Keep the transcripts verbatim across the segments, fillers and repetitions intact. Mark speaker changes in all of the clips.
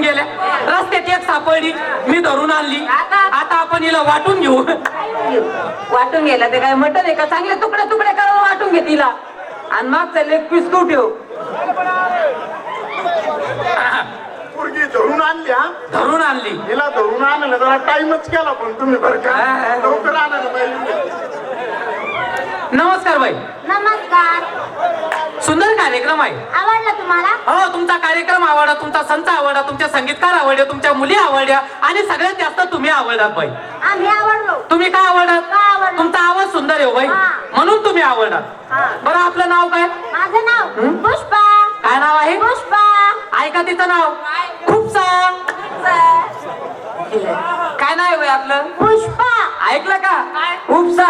Speaker 1: पळून गेल्या. रस्त्यात एक सापडली, मी धरून आणली. आता आपण हिला वाटून घेऊ.
Speaker 2: वाटून गेला ते काय मटन आहे का? चांगले तुकडे तुकडे करून वाटून घे तिला आणि मग चालले पीस तू ठेव.
Speaker 3: पोरगी धरून आणली. हा
Speaker 1: धरून आणली.
Speaker 3: हिला धरून आणलं जरा टाइमच केला पण तुम्ही बरं का लवकर आणायला पाहिजे.
Speaker 1: नमस्कार बाई.
Speaker 4: नमस्कार.
Speaker 1: सुंदर कार्यक्रम आहे.
Speaker 4: आवडला तुम्हाला?
Speaker 1: हो, तुमचा कार्यक्रम आवडला, तुमचा संत आवडला, तुमच्या संगीतकार आवडले, तुमच्या मुली आवडल्या आणि सगळ्यात जास्त तुम्ही आवडलात बाई.
Speaker 4: आम्ही आवडलो.
Speaker 1: तुम्ही काय आवडलात?
Speaker 4: का आवडलो?
Speaker 1: तुमचा आवाज सुंदर आहे हो बाई,
Speaker 4: हा.
Speaker 1: म्हणून तुम्ही आवडलात.
Speaker 4: हा.
Speaker 1: बरं, आपलं नाव काय?
Speaker 4: माझं नाव पुष्पा.
Speaker 1: काय नाव आहे?
Speaker 4: पुष्पा.
Speaker 1: ऐका तिचं नाव. खूप सांग. काय नाव आहे बाई आपलं?
Speaker 4: पुष्पा.
Speaker 1: ऐकलं का? उपसा.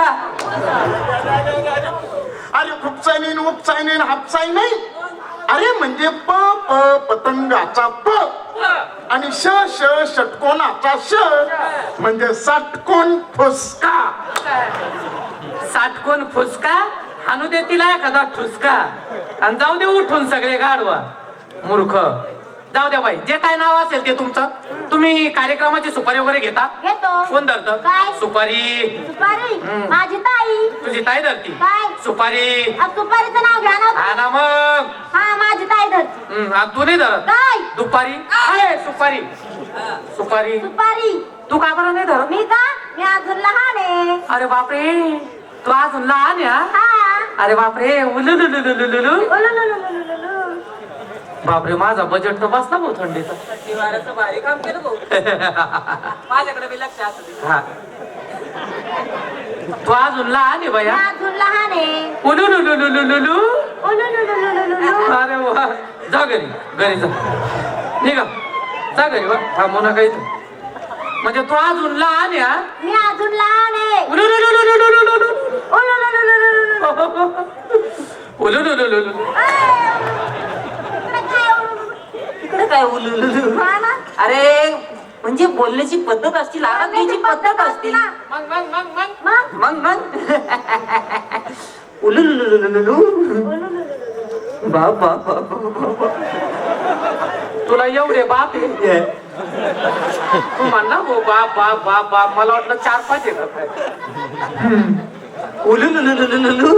Speaker 3: अरे खुपसाय नाही उपसाय नाही हापसाय नाही. अरे म्हणजे प प पतंगाचा प आणि श श षटकोनाचा श म्हणजे षटकोन फुसका.
Speaker 1: साठकोन फुसका आणू दे तिला एखादा ठुसका आणि जाऊ दे उठून सगळे गाडवा. मूर्ख. जाऊ द्या बाई, जे काय नाव असेल ते तुमचं. तुम्ही कार्यक्रमाची सुपारी वगैरे घेता?
Speaker 4: घेतो.
Speaker 1: कोण धरतं?
Speaker 4: काय?
Speaker 1: सुपारी.
Speaker 4: सुपारी.
Speaker 1: हम्म.
Speaker 4: माझी ताई.
Speaker 1: तुझी ताई धरती?
Speaker 4: काय?
Speaker 1: सुपारी.
Speaker 4: आ, सुपारीचं नाव घ्या ना.
Speaker 1: हा ना मग.
Speaker 4: हा, माझी ताई धरती.
Speaker 1: हम्म, आणि तू नाही धरत?
Speaker 4: काय?
Speaker 1: दुपारी. आहे सुपारी. सुपारी.
Speaker 4: सुपारी.
Speaker 1: तू का बरं नाही धरत?
Speaker 4: मी का? मी अजून लहान आहे.
Speaker 1: अरे बापरे, तू अजून लहान आहे हा?
Speaker 4: हा.
Speaker 1: अरे बापरे, उलुलुलुलुलुलु.
Speaker 4: उलुलुलुलुलुलु.
Speaker 1: बापरे, माझा बजेट तर बसला भाऊ थंडीचा.
Speaker 2: दिवाराचं भारी काम केलं भाऊ. माझ्याकडे बी लक्ष असू दे.
Speaker 1: हा, तू अजून लहान आहे
Speaker 4: मी
Speaker 1: बाया.
Speaker 4: अजून लहान आहे.
Speaker 1: उलुलुलुलुलुलु.
Speaker 4: उलुलुलुलुलुलु.
Speaker 1: अरे वा, जा घरी. घरी जा, निघा, जा घरी. वा, थांबू नका इथं. म्हणजे तू अजून लहान आहे हा?
Speaker 4: मी अजून लहान आहे.
Speaker 1: उलुलुलुलुलुलुलु.
Speaker 4: उलुलुलुलुलुलु.
Speaker 1: उलुलुलुलुलु.
Speaker 2: इकडे काय उलुलुलु?
Speaker 4: हा ना?
Speaker 2: अरे म्हणजे बोलण्याची पद्धत असतील, आराधनेची पद्धत असतील.
Speaker 1: मग मग मग मग
Speaker 4: मग
Speaker 2: मग मग उलुलुलुलुलु. बाप बाप बाप बाप.
Speaker 1: तुला एवढे बाप आहे? तू म्हणला हो बाप बाप बाप बाप, मला वाटलं चार पाच आहे का काय?
Speaker 2: उलुलुलुलुलु.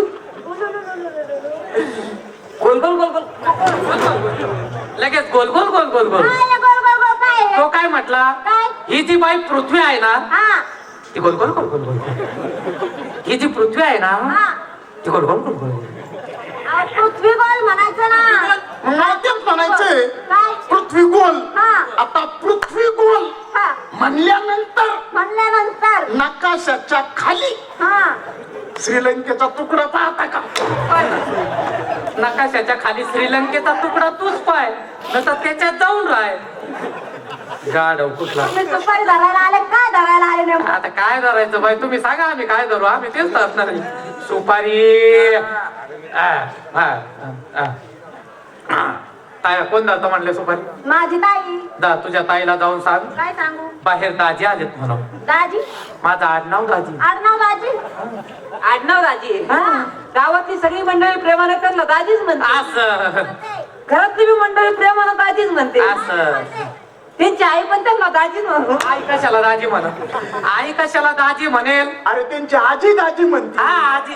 Speaker 2: गोल गोल गोल गोल.
Speaker 1: लगेच गोल गोल गोल गोल गोल.
Speaker 4: काय हे गोल गोल गोल काय आहे?
Speaker 1: तो काय म्हटला?
Speaker 4: काय?
Speaker 1: ही जी बाई पृथ्वी आहे ना,
Speaker 4: हा.
Speaker 1: ती गोल गोल गोल गोल गोल. ही जी पृथ्वी आहे ना,
Speaker 4: हा.
Speaker 1: ती गोल गोल गोल गोल.
Speaker 4: अहो, पृथ्वी गोल म्हणायचं ना.
Speaker 3: मला तेच म्हणायचंय.
Speaker 4: काय?
Speaker 3: पृथ्वी गोल.
Speaker 4: हा.
Speaker 3: आता पृथ्वी गोल
Speaker 4: हा.
Speaker 3: म्हणल्यानंतर
Speaker 4: म्हणल्यानंतर
Speaker 3: नकाशाच्या खाली
Speaker 4: हा.
Speaker 3: श्रीलंकेचा तुकडा पाहता का?
Speaker 1: नकाशाच्या खाली श्रीलंकेचा तुकडा तूच पाय, नंतर त्याच्यात जाऊन राय. गाढव कुठला.
Speaker 4: तुम्ही सुपारी धरायला आले काय धरायला आले नेमकं?
Speaker 1: आता काय धरायचं बाई, तुम्ही सांगा, आम्ही काय धरू? आम्ही तेच धरणार आहे. सुपारी. आ, आ, आ, आ. ताई, कोण धरतो म्हणले सुपारी?
Speaker 4: माझी ताई.
Speaker 1: दा, तुझ्या ताईला जाऊन सांग
Speaker 4: काय सांगू?
Speaker 1: बाहेर दाजी आलेत म्हणून.
Speaker 4: दाजी.
Speaker 1: माझं आडनाव दाजी.
Speaker 4: आडनाव दाजी.
Speaker 2: आडनाव दाजी.
Speaker 1: हा.
Speaker 2: गावातली सगळी मंडळी प्रेमाने त्यांना दाजीच म्हणते.
Speaker 1: असं
Speaker 2: घरातली बी मंडळी प्रेमानं दाजीच म्हणते.
Speaker 1: असं.
Speaker 2: त्यांची आई पण त्यांना दाजीच म्हणतो.
Speaker 1: आई कशाला दाजी म्हण? आई कशाला दाजी म्हणेल?
Speaker 3: अरे त्यांची आजी दाजी म्हणते.
Speaker 1: हा, आजी.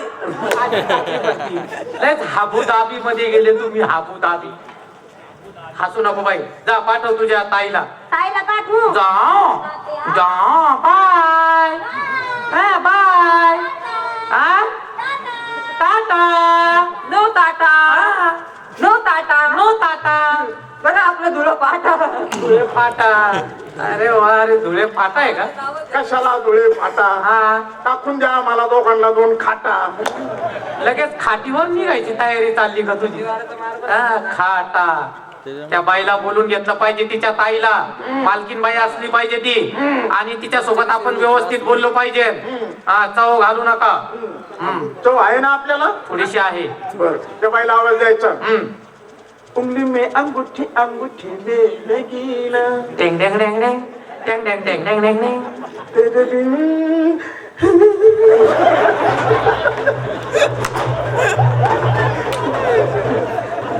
Speaker 1: लयच हाबुदाबी मध्ये गेले तुम्ही, हाबुदाबी. हसू नको बाई, जा पाठव तुझ्या ताईला.
Speaker 4: ताईला पाठवू.
Speaker 1: जा जा. बाय. हा, बाय. हा, tata.
Speaker 2: No tata. No tata.
Speaker 1: No tata.
Speaker 2: बघा आपलं धुळं पाटा.
Speaker 1: धुळे फाटा. अरे वा, अरे धुळे फाटा आहे का?
Speaker 3: कशाला धुळे फाटा?
Speaker 1: हा,
Speaker 3: टाकून द्या मला दोघांना दोन खाटा.
Speaker 1: लगेच खाटीवर निघायची तयारी चालली का तुझी? हा, खाटा. त्या बाईला बोलून घेतलं पाहिजे, तिच्या ताईला. मालकीन बाई असली पाहिजे ती, आणि तिच्या सोबत आपण व्यवस्थित बोललो पाहिजे. हा, चव घालू नका. हम्म,
Speaker 3: तो आहे ना आपल्याला?
Speaker 1: थोडीशी आहे.
Speaker 3: बर, त्या बाईला आवाज द्यायचा.
Speaker 1: हम्म.
Speaker 3: उंगली में अंगूठी अंगूठी ले लगी ना,
Speaker 1: टेंग टेंग टेंग टेंग टेंग टेंग टेंग टेंग टेंग टेंग.
Speaker 3: तेरे बिन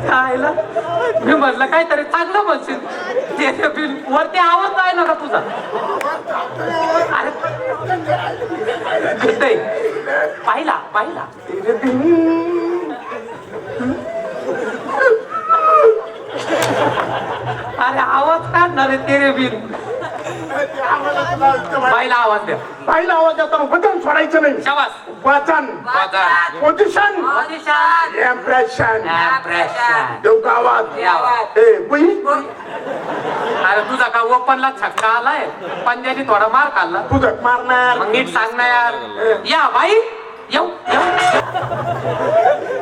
Speaker 1: खायला मी म्हटलं काहीतरी चांगलं म्हणशील ते बिल वरती आवाज आहे ना का तुझा अरे नाही. पाहिला पाहिला अरे आवाज काढणार आहे तेरे बिल बाईला आवाज द्या
Speaker 3: बाईला आवाज देताना वजन सोडायचं नाही
Speaker 1: शाबास
Speaker 3: वजन
Speaker 1: वाजन.
Speaker 3: Position
Speaker 2: Position.
Speaker 3: Impression
Speaker 1: Impression.
Speaker 3: देऊ का आवाज
Speaker 2: आवाज.
Speaker 3: ए बुई
Speaker 1: अरे तुझा का ओपनला छक्का आलाय पंजाबी थोडा मार खाल्ला
Speaker 3: तुझं मारणार
Speaker 1: मग नीट सांग ना यार या बाई येऊ येऊ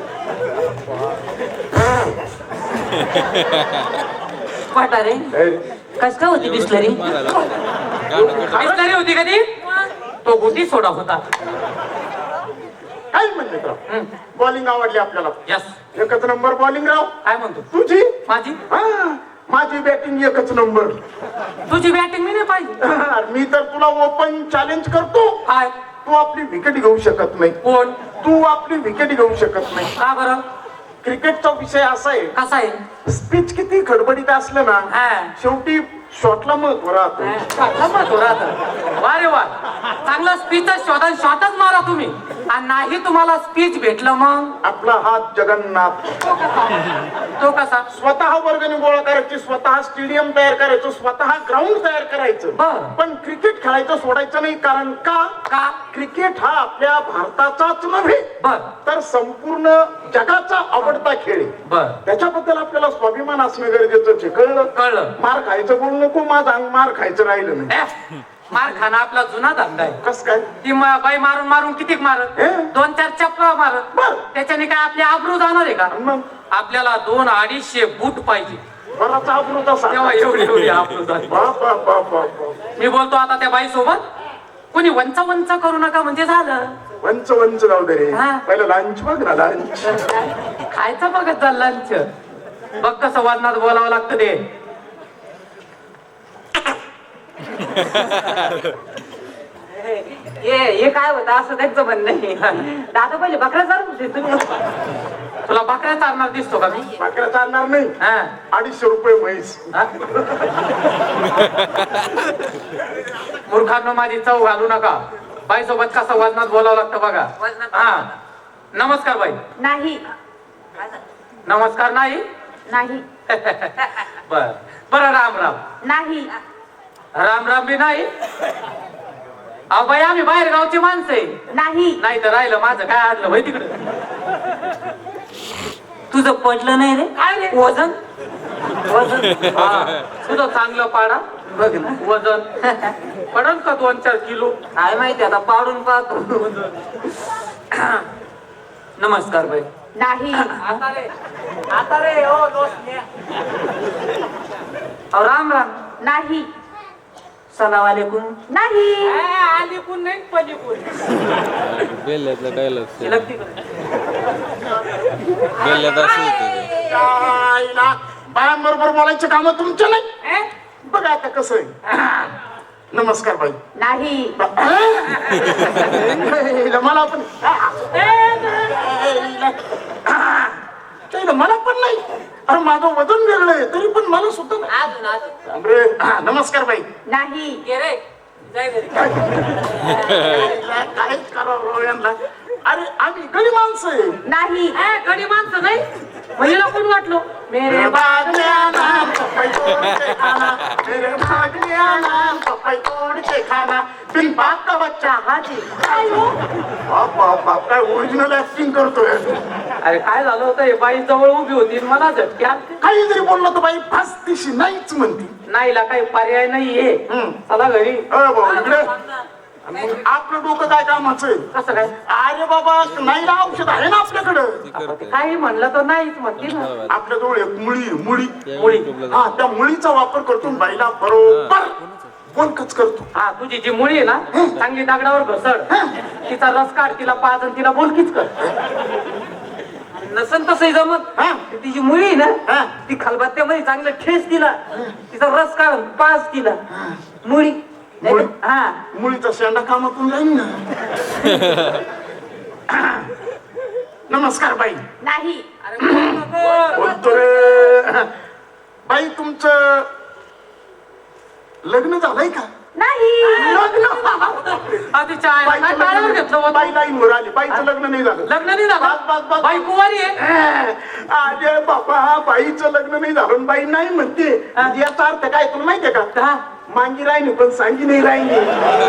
Speaker 2: वाटारे कस काय होती बिस्लरी
Speaker 1: बिस्लरी होती कधी तो गुटी सोडा होता
Speaker 3: काय म्हणले तर बॉलिंग आवडली आपल्याला
Speaker 1: यस
Speaker 3: एकच नंबर बॉलिंग राव
Speaker 1: काय म्हणतो
Speaker 3: तुझी
Speaker 1: माझी
Speaker 3: हा, माझी बॅटिंग एकच नंबर
Speaker 1: तुझी बॅटिंग मी नाही पाहिजे
Speaker 3: मी तर तुला ओपन चॅलेंज करतो
Speaker 1: काय
Speaker 3: तू आपली विकेट घेऊ शकत नाही
Speaker 1: कोण
Speaker 3: तू आपली विकेट घेऊ शकत नाही
Speaker 1: का बरं
Speaker 3: क्रिकेटचा विषय असा आहे
Speaker 1: कसा आहे
Speaker 3: स्पीच किती खडबडीत असलं ना
Speaker 1: हा.
Speaker 3: शेवटी शॉटला महत्व राहतो
Speaker 1: शॉटला महत्व राहतं वा रे वा चांगला स्पीचच शोधा शॉटच मारा तुम्ही आणि नाही तुम्हाला स्पीच भेटलं मग
Speaker 3: आपला हात जगन्नाथ
Speaker 1: तो कसा
Speaker 3: स्वतः वर्गणी गोळा करायची स्वतः स्टेडियम तयार करायचं स्वतः ग्राउंड तयार करायचं
Speaker 1: बरं.
Speaker 3: पण क्रिकेट खेळायचं सोडायचं नाही कारण का
Speaker 1: का
Speaker 3: क्रिकेट हा आपल्या भारताचाच नव्हे
Speaker 1: बर
Speaker 3: तर संपूर्ण जगाचा आवडता खेळ आहे
Speaker 1: बर
Speaker 3: त्याच्याबद्दल आपल्याला स्वाभिमान असणं गरजेचं आहे कळलं
Speaker 1: कळलं
Speaker 3: मार खायचं बोलू नको माझं अंग मार खायचं राहिलं नाही
Speaker 1: ए, मार खाना आपला जुना धंदा आहे
Speaker 3: कस काय
Speaker 1: ती म- बाई मारून मारून किती मारत
Speaker 3: हे?
Speaker 1: दोन चार चप्पा मारत
Speaker 3: बर.
Speaker 1: त्याच्याने काय आपली आबरू जाणार आहे का
Speaker 3: आणि मग
Speaker 1: आपल्याला दोन अडीचशे बूट पाहिजे
Speaker 3: बराच आबरू तसा
Speaker 1: तेव्हा एवढी एवढी आबरू झाली
Speaker 3: बाप बाप बाप बाप बाप.
Speaker 1: मी बोलतो आता त्या बाई सोबत कोणी वंच वंच करू नका म्हणजे झालं
Speaker 3: वंच वंच जाऊ दे रे
Speaker 1: हा.
Speaker 3: पहिलं लंच बघ ना लंच
Speaker 1: खायचं बघत जा लंच बघ कसं वजनात बोलावं लागतं ते
Speaker 2: हे हे काय होतं असं त्यांचं म्हणणं आहे दादा पहिले बकरा चालू होते तुम्ही
Speaker 1: तुला बकऱ्या चालणार दिसतो का मी
Speaker 3: भाकऱ्या चालणार नाही
Speaker 1: हा
Speaker 3: अडीचशे रुपये म्हैस
Speaker 1: हा? मूर्खांनो माझी चव घालू नका बाई सोबत कसं वजनात बोलावं लागतं बघा
Speaker 2: वजनात.
Speaker 1: हा नमस्कार बाई
Speaker 4: नाही
Speaker 1: नमस्कार नाही
Speaker 4: नाही
Speaker 1: बर बरं राम राम
Speaker 4: नाही
Speaker 1: राम राम बी नाही अहो बाई आम्ही बाहेर गावची माणसं आहे
Speaker 4: नाही
Speaker 1: नाही तर राहिलं माझं काय आणलं भाई तिकडे
Speaker 2: तुझं पडलं नाही रे
Speaker 1: काय रे
Speaker 2: वजन
Speaker 1: वजन हा, तुझं चांगलं पाडा
Speaker 2: बघ ना
Speaker 1: वजन पडल का दोन चार किलो
Speaker 2: काय माहिती आता पाडून पाहतो
Speaker 1: नमस्कार बाई
Speaker 4: नाही
Speaker 1: आता रे आता रे हो दोस्त अहो राम राम
Speaker 4: नाही
Speaker 2: सलाम वालेकुम
Speaker 4: नाही
Speaker 1: आली पण नाही पली पण
Speaker 5: बेल्ल्यातलं काय लक्ष
Speaker 2: हे लग तिकडं.
Speaker 5: बेल्ल्यात असं होतं
Speaker 3: बायांबरोबर बोलायचे काम तुमचे नाही बघा आता कसं आहे नमस्कार बाई
Speaker 4: नाही
Speaker 3: मला पण त्याला मला पण नाही अरे माझं वजन वेगळं आहे तरी पण मला सुद्धा नाही.
Speaker 2: अजून अजून
Speaker 3: अरे, हा, नमस्कार बाई
Speaker 4: नाही
Speaker 2: ये रे जाय घरी
Speaker 3: काहीच करावं यांना अरे आम्ही गडी माणसं आहे
Speaker 4: नाही
Speaker 1: ए, गडी माणसं नाही महिला कोण वाटलो
Speaker 3: मेरे बागल्या नाम पपई तोड़ के खाना मेरे बागल्या नाम पपई तोड़ के खाना बिन बाप का बच्चा हाजी बाप बाप बाप काय ओरिजिनल ऍक्टिंग करतोय
Speaker 1: अरे काय झालं होतं हे बाई जवळ उभी होती आणि मला झटके आलते.
Speaker 3: काही जरी बोललं तर बाई फास्तीशी नाहीच म्हणती
Speaker 1: नाहीला काही पर्याय नाहीये
Speaker 3: हम्म.
Speaker 1: चला घरी
Speaker 3: अ भाऊ इकडे आणि मग आपलं डोकं काय कामाचं आहे
Speaker 1: कसं काय
Speaker 3: अरे बाबा नाही ना औषध आहे ना आपल्याकडं
Speaker 1: काही म्हणलं तर नाहीच म्हणते ना
Speaker 3: आपल्याजवळ एक मुळी आहे, मुळी
Speaker 1: मुळी.
Speaker 3: हा त्या मुळीचा वापर करतो आणि बाईला बरोबर बोलकच करतो
Speaker 1: हा तुझी जी मुळी आहे ना चांगली दगडावर घसड तिचा रस काढ तिला पाच आणि तिला बोलकीच कर
Speaker 2: नसन तसंही जमत
Speaker 3: हा
Speaker 2: तिची मुळी आहे
Speaker 3: हा.
Speaker 2: ना ती खलबत्त्यामध्ये चांगलं ठेस दिला तिचा रस काढून पाच दिला मुळी
Speaker 3: मुळी?
Speaker 2: हा
Speaker 3: मुळीचा शेंडा कामातून जाईल ना नमस्कार बाई
Speaker 4: नाही
Speaker 3: बोलतो रे. बाई तुमचं लग्न झालंय का?
Speaker 4: नाही.
Speaker 3: लग्न
Speaker 1: आधीच्या आईला काय
Speaker 3: बाईचं
Speaker 1: टाळ्यावर
Speaker 3: लग्न-
Speaker 1: घेतलं
Speaker 3: बाई
Speaker 1: होतं?
Speaker 3: लाईनवर आली. बाईचं लग्न नाही झालं.
Speaker 1: लग्न नाही
Speaker 3: बस, बस,
Speaker 1: झालं
Speaker 3: बस.
Speaker 1: बाई कुवारी आहे.
Speaker 3: अरे बाबा बाईचं लग्न नाही झालं आणि बाई नाही म्हणते याचा अर्थ काय तुला माहितीये का?
Speaker 1: हा.
Speaker 3: मांगी राहिली पण सांगी नाही राहिली.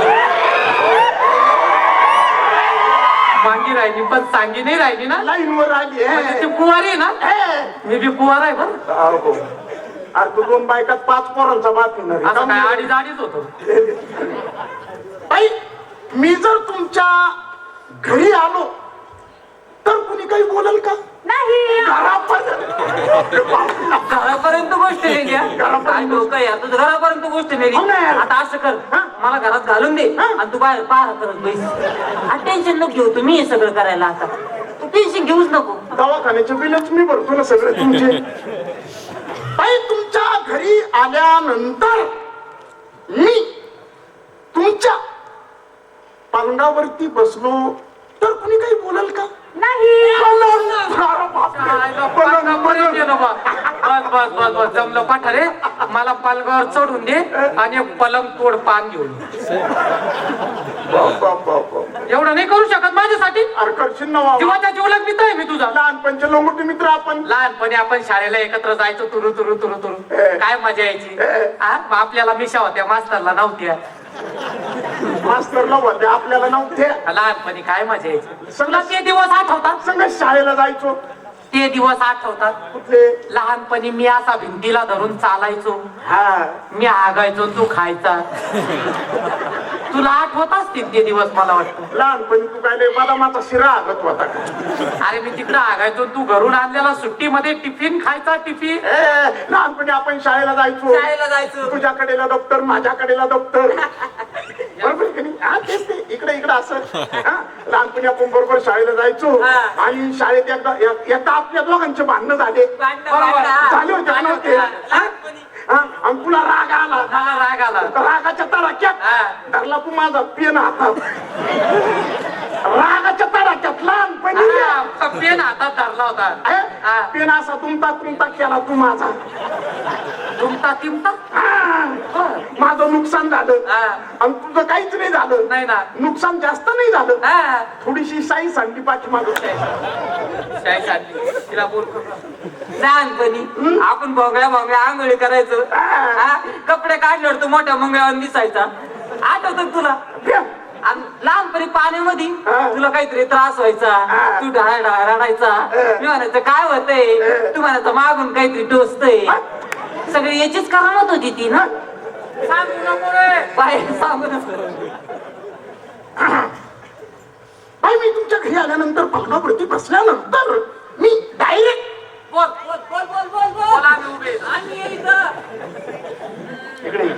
Speaker 1: मांगी राहिली पण सांगी नाही राहिली ना.
Speaker 3: लाईनवर आली
Speaker 1: म्हणजे ती
Speaker 3: हे.
Speaker 1: कुवारी आहे ना.
Speaker 3: हे.
Speaker 1: मी बी कुवार आहे बरं.
Speaker 3: अहो. अरे तू दोन बायकात पाच पोरांचा बात येणार आहे.
Speaker 1: असं काय अडीच अडीच होतो.
Speaker 3: बाई मी जर तुमच्या घरी आलो तर कुणी काही बोलल का?
Speaker 4: नाही.
Speaker 3: घरापर्यंत
Speaker 2: घरापर्यंत गोष्ट नेली हा.
Speaker 3: घरापर्यंत.
Speaker 2: काय डोकं आहे यार, तुझं घरापर्यंत गोष्ट नेली.
Speaker 3: हो ना यार.
Speaker 2: आता असं कर,
Speaker 3: हा?
Speaker 2: मला घरात घालून दे
Speaker 3: हा?
Speaker 2: आणि तू बाहेर पार करत बैस. टेन्शन नको घेऊ, तुम्ही हे सगळं करायला आता तू टेन्शन घेऊच नको.
Speaker 3: दवाखान्याचे बिलच मी भरतो ना सगळे तुमचे. बाई तुमच्या घरी आल्यानंतर मी तुमच्या पालंगावरती बसलो तर कुणी काही बोलल का?
Speaker 4: नाही.
Speaker 3: अरे बापरे.
Speaker 1: आईला
Speaker 3: पलंग,
Speaker 1: पालगावर
Speaker 3: पलंग.
Speaker 1: गेलो बा. बस बस बस बस जमलं पाठारे. मला पालगावर चढून दे आणि एक पलंग तोड पान घेऊन ये.
Speaker 3: बाप, बाप, बाप, बाप.
Speaker 1: एवढं नाही करू शकत माझ्यासाठी.
Speaker 3: अरे करशील ना वावा.
Speaker 1: जीवाच्या जीवलग मित्र आहे मी तुझा.
Speaker 3: लहानपणचे लोंगोटी मित्र आपण.
Speaker 1: लहानपणी आपण शाळेला एकत्र जायचो तुरु तुरु तुरु तुरु.
Speaker 3: ए.
Speaker 1: काय मजा यायची.
Speaker 3: ए.
Speaker 1: हा? मग आपल्याला मिशा होत्या मास्तरला नव्हत्या.
Speaker 3: मास्तरला होते आपल्याला नव्हते.
Speaker 1: लहानपणी काय मजा यायची. तुला ते दिवस आठवतात.
Speaker 3: संग शाळेला जायचो.
Speaker 1: ते दिवस आठवतात.
Speaker 3: कुठले?
Speaker 1: लहानपणी मी असा भिंतीला धरून चालायचो.
Speaker 3: हा.
Speaker 1: मी आगायचो तू खायचा. तुला आठवत असतील ते दिवस मला वाटतं.
Speaker 3: लहानपणी तू काय लय बदामाचा शिरा आगत होता का?
Speaker 1: अरे मी तिकडं आगायचो तू घरून आणलेला सुट्टीमध्ये टिफिन खायचा टिफिन.
Speaker 3: ए, लहानपणी आपण शाळेला जायचो.
Speaker 2: शाळेला जायचं.
Speaker 3: तुझ्याकडेला दप्तर माझ्याकडेला दप्तर. बरोबर की नाही? हा, तेच ते इकडे इकडे असं. हा, लहानपणी आपण बरोबर शाळेला जायचो
Speaker 2: हा.
Speaker 3: आणि शाळेत एकदा एक- एकदा आपल्या दोघांचे भांडणं झाले.
Speaker 2: भांडणं,
Speaker 3: बरोबर.
Speaker 2: भांडणं.
Speaker 3: झाले होते का नव्हते? हा?
Speaker 2: लहानपणी.
Speaker 3: हा, आणि तुला राग आला.
Speaker 1: मला राग आला.
Speaker 3: रागाच्या तडाक्यात
Speaker 1: हा.
Speaker 3: धरला तू माझा पेन हातात. रागाच्या तडाक्यात लहानपणी
Speaker 1: हा, पेन हातात धरला होता. हा.
Speaker 3: पेन असा तुमता तुमता केला तू माझा.
Speaker 1: तुमता तिमता.
Speaker 3: हा. माझं नुकसान झालं
Speaker 1: हा.
Speaker 3: आणि तुझं काहीच नाही झालं.
Speaker 1: नाही ना.
Speaker 3: नुकसान जास्त नाही झालं.
Speaker 1: हा.
Speaker 3: थोडीशी साई सांगली पाठी मागं.
Speaker 1: शाळेत चालली. तिला बोल.
Speaker 2: लहानपणी आपण भोंगळ्या भोंगळ्या आंघोळी करायचो. हा? कपडे काढल्यावर तू मोठ्या मंगळावर दिसायचा. आठवत तुला? आणि लहानपणी पाण्यामध्ये
Speaker 3: हा.
Speaker 2: तुला काहीतरी त्रास व्हायचा.
Speaker 3: हा.
Speaker 2: तू ढाळ ढाळ रडायचा. मी म्हणायचं काय होतंय? तू म्हणायचं मागून काहीतरी टोचतंय. सगळी याचीच करामत होती ती ना.
Speaker 1: सांगू नको रे.
Speaker 2: बाहेर सांगू नको.
Speaker 3: बाई मी तुमच्या घरी आल्यानंतर पलंगावरती बसल्यानंतर मी डायरेक्ट
Speaker 1: बोल बोल बोल बोल बोल बोल. आम्ही उभे.
Speaker 2: आणि ये इथं.
Speaker 3: इकडे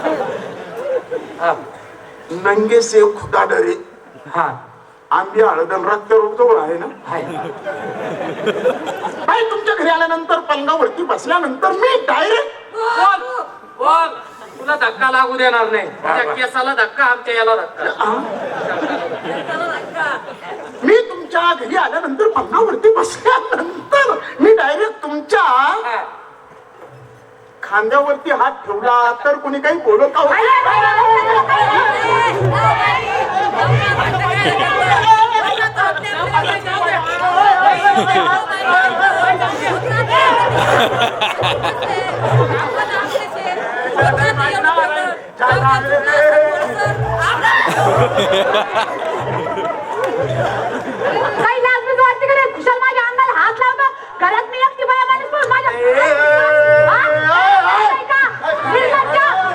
Speaker 3: नंगे सेव खुदा डरे.
Speaker 1: हा.
Speaker 3: आंबी हळदन रक्त रोग जवळ आहे ना. बाई तुमच्या घरी आल्यानंतर पलंगावरती बसल्यानंतर मी डायरेक्ट
Speaker 1: बोल बोल. तुला धक्का लागू देणार नाही. तुझ्या केसाला धक्का आमच्या याला धक्का.
Speaker 3: मी तुमच्या घरी आल्यानंतर पलंगावरती बसल्यानंतर मी डायरेक्ट तुमच्या खांद्यावरती हात ठेवला तर कोणी काही बोलत का?
Speaker 4: काही लाज बीज वाटते का रे? खुशाल माझ्या अंगाला हात लावतो. घरात मी एकटी बाया माणूस पण माझ्या हा? नाही का? निर्लज्ज.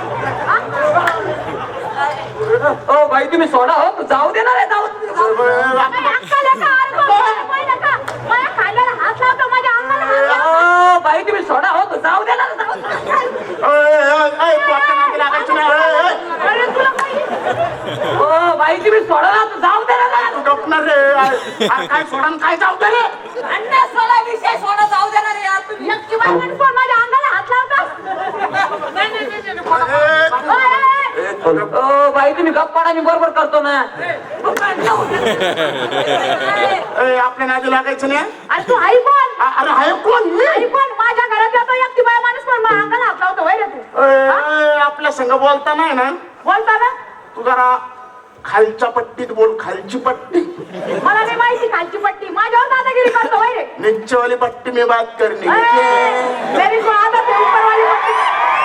Speaker 4: हा?
Speaker 2: ओ बाई तुम्ही सोडा हो. तू जाऊ देणार आहे. जाऊ
Speaker 4: काही अक्कल आहे का? अरे बाबा, पाहिलं का? माझ्या खांद्याला हात लावतो, माझ्या अंगाला हात लावतो.
Speaker 2: ओ बाई तुम्ही सोडा हो. तू जाऊ देणार आहे. जाऊ दे.
Speaker 3: लागायचं नाही.
Speaker 4: अरे तुला काही
Speaker 2: ओ बाई तुम्ही सोडा ना. तू जाऊ देणार आहे.
Speaker 3: गपणार रे. अरे काय सोडा न काय जाऊ दे रे.
Speaker 2: अन्ना सोडा विषय सोडा. जाऊ देणार आहे यार तुम्ही.
Speaker 4: एकटी बाया माणूस पण माझ्या अंगाला हात लावतो.
Speaker 1: नाही नाही नाही, नाही.
Speaker 2: ओ बाई तुम्ही गप्पा मी बरोबर करतो ना.
Speaker 3: ए, आपल्या नादी लागायचं नाही.
Speaker 4: अरे तू आई बोल.
Speaker 3: अ- अरे हाय कोण मी
Speaker 4: आई पण माझ्या घरात येतो एकटी बाया माणूस पण मग अंगाला हात लावतो वय रे तू
Speaker 3: अय,
Speaker 4: हा?
Speaker 3: अय, आपल्या संग बोलता नाही ना
Speaker 4: बोलता ना
Speaker 3: तू जरा खालच्या पट्टीत बोल खालची पट्टी
Speaker 4: मला नाही माहिती खालची पट्टी माझ्यावर दादागिरी करतो वय रे
Speaker 3: नीचे वाली पट्टी में बात करनी
Speaker 4: ए, मेरी को आदत है ऊपर वाली पट्टी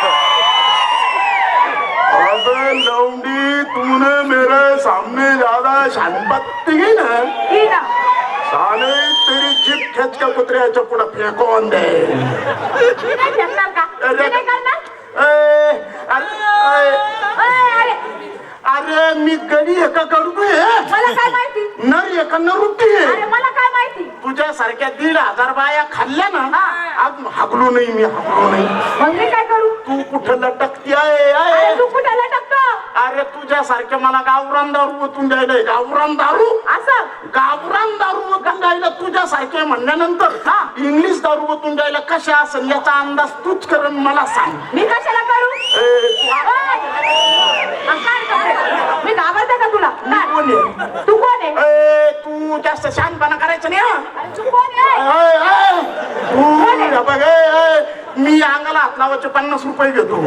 Speaker 3: अबे लौंडी तूने मेरे सामने ज्यादा शानपत्ती की ना
Speaker 4: ही ना
Speaker 3: साले तेरी जीप खेच के कुत्र्याच्या पुढे फेकून दे
Speaker 4: मी नाही फेकणार का मी नाही करणार
Speaker 3: ए, अरे ए,
Speaker 4: ए, अरे
Speaker 3: अरे मी गडी एका कडू
Speaker 4: मला काय माहिती
Speaker 3: नर एका नरुटी
Speaker 4: अरे मला काय माहिती
Speaker 3: तुझ्या सारख्या दीड हजार बाया खाल्ल्या ना
Speaker 4: हा.
Speaker 3: आज हागलो नाही मी हागलो नाही
Speaker 4: मग मी काय करू
Speaker 3: तू कुठं लटकती आहे
Speaker 4: अरे
Speaker 3: आहे?
Speaker 4: तू कुठे लटकतो
Speaker 3: अरे तुझ्या सारख्या मला गावरान दारू ओतून द्यायला गावरान दारू
Speaker 4: असं
Speaker 3: गावरान दारू ओतून द्यायला तुझ्या सारखे म्हणल्यानंतर
Speaker 4: हा.
Speaker 3: इंग्लिश दारू ओतून द्यायला कशा असेल याचा अंदाज तूच कर मला सांग
Speaker 4: मी कशाला करू
Speaker 3: ए, तू आ-
Speaker 4: ओय! मग काय करते? मी घाबरते का तुला
Speaker 3: मी कोण आहे?
Speaker 4: तू कोण आहे
Speaker 3: ए, तू जास्त शानपणा करायचं नाही हा?
Speaker 4: अरे तू कोण आहे
Speaker 3: ए, ए, तू हे बघ ए, ए, मी अंगाला हात लावायचे पन्नास रुपये घेतो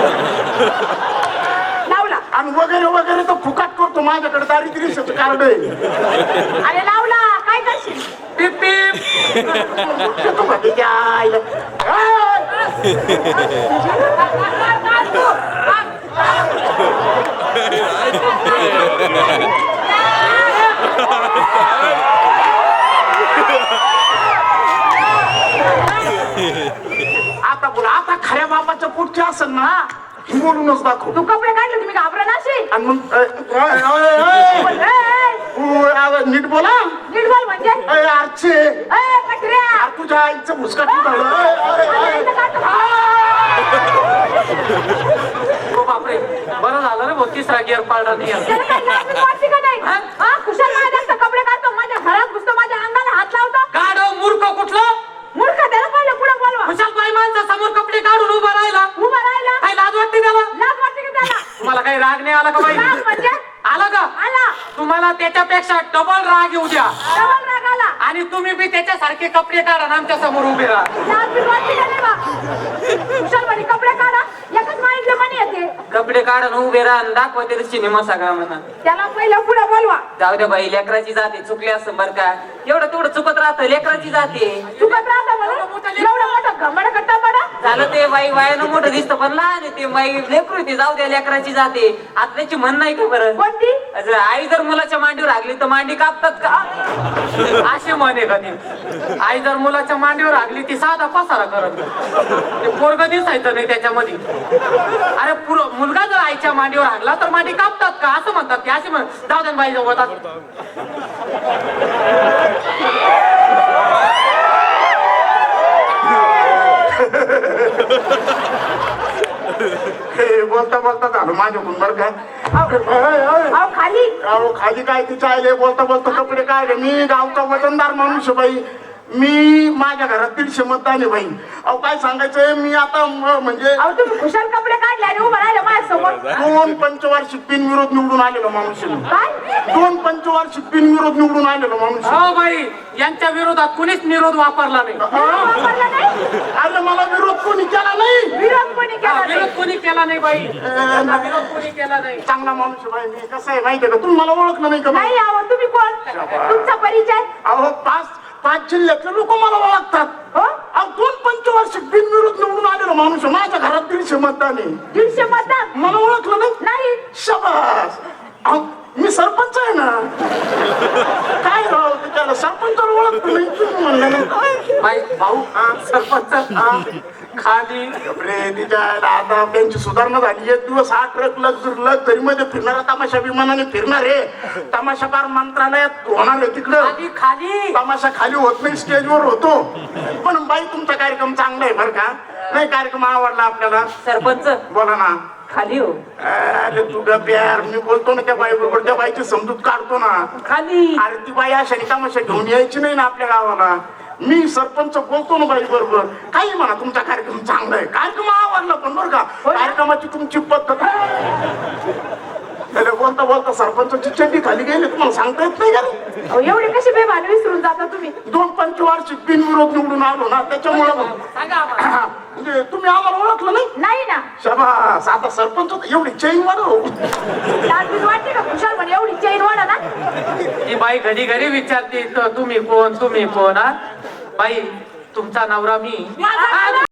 Speaker 4: लावला
Speaker 3: आणि वगैरे वगैरे तर फुकाट करतो माझ्याकडे दारिद्र्य कार्ड आहे
Speaker 4: अरे लावला काय करशील
Speaker 1: पिप पिप
Speaker 3: घेतो का ते त्या आईला? ए, आता बोला आता खऱ्या बापाच्या पुढचे असेल ना बोलूनच दाखव
Speaker 4: तू कपडे काढले तुम्ही घाबरा नाशी
Speaker 3: आणि मग ए, ए, ए, ए, तू आता नीट बोला
Speaker 4: नीट बोल म्हणजे
Speaker 3: ए, आरचे
Speaker 4: ए कटऱ्या
Speaker 3: आ, तुझ्या आईचं मुस्काट झालं ए, ए,
Speaker 4: माझ्या
Speaker 3: ए.
Speaker 4: इथं काढतो.
Speaker 1: ओ बापरे बरं झालं रे भाऊ तिसरा गिअर पाळला नाही आहे.
Speaker 4: त्याला काय लाज बीज वाटते का नाही हा कुशाल माझ्या जास्त कपडे काढतो माझ्या घरात घुसतो माझ्या अंगाला हात लावतो
Speaker 1: गाढव मूर्ख कुठलं
Speaker 4: मूर्ख त्याला पहिलं पुढे बोलवा
Speaker 1: कुशाल बाई माणसा समोर कपडे काढून उभा राहिला
Speaker 4: उभा राहिला
Speaker 1: काय लाज वाटते त्याला
Speaker 4: लाज वाटते की त्याला
Speaker 1: तुम्हाला काही राग नाही आला का बाई
Speaker 4: लाज म्हणजे
Speaker 1: आला का
Speaker 4: आला
Speaker 1: तुम्हाला त्याच्यापेक्षा डबल राग येऊ द्या
Speaker 4: डबल राग आला
Speaker 1: आणि तुम्ही बी त्याच्यासारखे कपडे काढा आणि आमच्या समोर उभे राहा
Speaker 4: लाज बीज वाटते का नाही बा कुशाल म्हणे कपडे काढा एकच माहितलं म्हणे येते
Speaker 2: कपडे काढून उभे राहा आणि दाखवा ते सिनेमा सगळा म्हणा
Speaker 4: त्याला पहिलं पुढे बोलवा
Speaker 2: जाऊ द्या बाई लेकराची जाते चुकली असं बरं का एवढं तेवढं चुकत राहतं लेकराची जाते
Speaker 4: चुकत राहता म्हणून एवढं मोठं घंबड करता पडा
Speaker 2: झालं ते बाई वयानं मोठं दिसतं पण लहान आहे ते बाई लेकरू ते जाऊ द्या लेकराची जाते आता त्याची म्हण नाही का बरं
Speaker 4: कोणती
Speaker 2: असं आई जर मुलाच्या मांडीवर लागली तर मांडी कापतात का
Speaker 1: असे म्हणे कधी आई जर मुलाच्या मांडीवर लागली ती साधा पसारा करत ते पोरग दिसायचं नाही त्याच्यामध्ये अरे पुर मुलगा जर आईच्या मांडीवर लागला तर मांडी कापतात का असं म्हणतात की असे म्हण जाऊ दे बाई जाऊ
Speaker 3: हे बोलता बोलता झालं माझ्याकडून बरं का ए, ए,
Speaker 4: अहो खाली
Speaker 3: अहो खाली काय तिच्या आईले बोलता बोलता कपडे काय मी गावचा वजनदार माणूस आहे बाई मी माझ्या घरात दीडशे मतदान आहे बाई अहो काय सांगायचंय मी आता म- म्हणजे
Speaker 4: अहो तुम्ही कुशाल कपडे काढले आणि उभं राहिलं माझ्या समोर
Speaker 3: दोन पंचवार्षिक बिनविरोध निवडून आलेलो माणूस आहे मी.
Speaker 4: काय
Speaker 3: दोन पंचवार्षिक बिनविरोध निवडून आलेलो माणूस आहे.
Speaker 1: हो बाई यांच्या विरोधात कुणीच विरोध वापरला नाही
Speaker 4: वापरला नाही
Speaker 3: अरे मला विरोध कोणी केला नाही
Speaker 4: विरोध कोणी केला
Speaker 1: हा,
Speaker 4: नाही
Speaker 1: विरोध कोणी केला नाही बाई यांना विरोध कोणी केला नाही
Speaker 3: चांगला माणूस आहे बाई मी कसं आहे माहितीये का तुम्ही मला ओळखलं नाही का बाई?
Speaker 4: नाही आहो तुम्ही कोण तुमचा परिचय
Speaker 3: अहो पाच पाच जिल्ह्यातले लोक मला ओळखतात
Speaker 4: हो
Speaker 3: अहो दोन पंचवार्षिक बिनविरोध निवडून आलेलो माणूस आहे. माझ्या घरात दीडशे मतदान आहे
Speaker 4: दीडशे मतदान
Speaker 3: मला ओळखलं नाही
Speaker 4: नाही
Speaker 3: शाबास अहो, मी सरपंच आहे ना काय राव त्याला सरपंचाला ओळखतो नाही तुम्ही म्हणलं ना
Speaker 1: बाई भाऊ हा, सरपंच हा, खाली
Speaker 3: रे तिच्या आता त्यांची सुधारणा झाली एक दिवस हा ट्रक लक्झरी लक्झरी मध्ये फिरणारा तमाशा विमानाने फिरणार आहे तमाशाकार मंत्रालयात होणार आहे तिकडं
Speaker 1: खाली खाली
Speaker 3: तमाशा खाली होत नाही स्टेजवर होतो पण बाई तुमचा कार्यक्रम चांगला आहे बरं का नाही कार्यक्रम आवडला आपल्याला
Speaker 2: सरपंच
Speaker 3: बोला ना
Speaker 2: खाली हो
Speaker 3: अरे तू गप यार मी बोलतो ना त्या बाई बरोबर त्या बाईची समजूत काढतो ना
Speaker 2: खाली
Speaker 3: अरे ती बाई अशा तमाशा घेऊन यायची नाही ना आपल्या गावाला मी सरपंच बोलतो ना बाई बरोबर काही म्हणा तुमचा कार्यक्रम चांगला आहे कार्यक्रम आवडला पण बरं का कार्यक्रमाची तुमची पद्धत अरे बोलता बोलता सरपंचाची चड्डी खाली गेली तुम्हाला सांगता येत नाही का रे?
Speaker 4: अहो, एवढे कशी बेभान विसरून जाता तुम्ही?
Speaker 3: दोन पंचवार्षिक बिनविरोध निवडून आलो ना त्याच्यामुळे म्हणजे तुम्ही आम्हाला ओळखलं नाही.
Speaker 4: नाही ना.
Speaker 3: शाबास, आता सरपंच होता, एवढी चैन वाढव.
Speaker 4: लाजबीज वाटते का खुशाल म्हणे एवढी चैन वाढा ना?
Speaker 1: ती बाई घडी घडी विचारते "त- तुम्ही कोण तुम्ही कोण हा बाई तुमचा नवरा मी
Speaker 4: माझा
Speaker 1: हा,